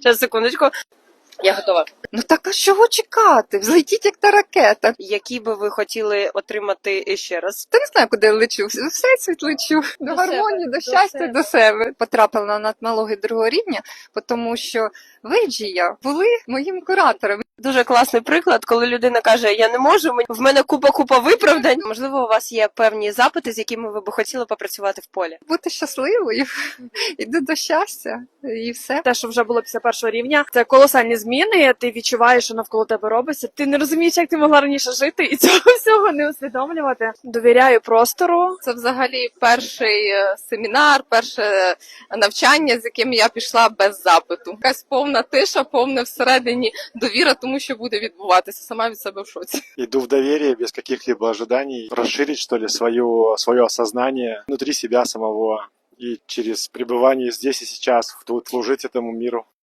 Секундочку. Я готова. Ну так а чого чекати? Взлетіть як та ракета. Які би ви хотіли отримати ще раз? Та не знаю, куди я лечу. В всесвіт лечу. До гармонії, себе, до щастя, себе. до себе. Потрапила на надмологи другого рівня, тому що ви, Джія, були моїм куратором. Дуже класний приклад, коли людина каже, я не можу, в мене купа виправдань. Можливо, у вас є певні запити, з якими ви б хотіли попрацювати в полі. Бути щасливою, іду до щастя і все. Те, що вже було після першого рівня, це колосальні зміни. Ти відчуваєш, що навколо тебе робиться. Ти не розумієш, як ти могла раніше жити, і цього всього не усвідомлювати. Довіряю простору. Це взагалі перший семінар, перше навчання, з яким я пішла без запиту. Якась повна тиша, повна всередині довіра тому, що буде відбуватися. Сама від себе в шоці. Иду в доверие без каких-либо ожиданий, расширить, что ли, свое осознание внутри себя самого и через пребывание здесь и сейчас тут служить этому миру.